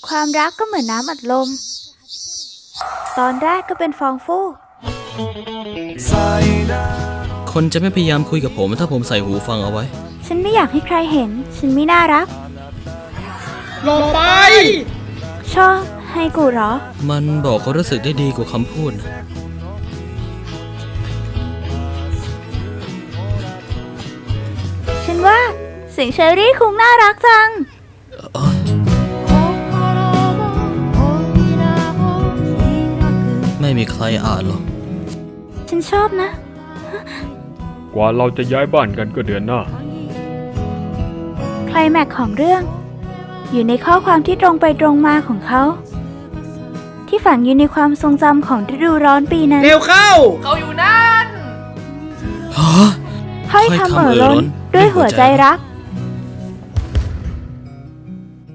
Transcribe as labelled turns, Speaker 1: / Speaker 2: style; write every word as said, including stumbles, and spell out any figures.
Speaker 1: ความรักก็เหมือนน้ำอัดลม ตอนแรกก็เป็นฟองฟู
Speaker 2: คนจะไม่พยายามคุยกับผมถ้าผมใส่หูฟังเอาไว้
Speaker 1: ฉันไม่อยากให้ใครเห็น ฉันไม่น่ารัก
Speaker 3: หลบไป
Speaker 1: ชอบให้กูเหรอ
Speaker 2: มันบอกความรู้สึกได้ดีกว่าคำพูดนะ
Speaker 1: ฉันว่าเสียงเชอรี่คงน่ารักจัง
Speaker 2: ไม่มีใครอ่านหรอก
Speaker 1: ฉันชอบนะ
Speaker 3: กว่าเราจะย้ายบ้านกันก็เดือนหน้า
Speaker 1: ไคลแม็กซ์ของเรื่อง อยู่ในข้อความที่ตรงไปตรงมาของเขา ที่ฝังอยู่ในความทรงจำของฤดูร้อนปีนั้น
Speaker 3: เร็วเข้า
Speaker 2: ฮะ
Speaker 1: ค่อยทำเอ่อล้นด้วยหัวใจรัก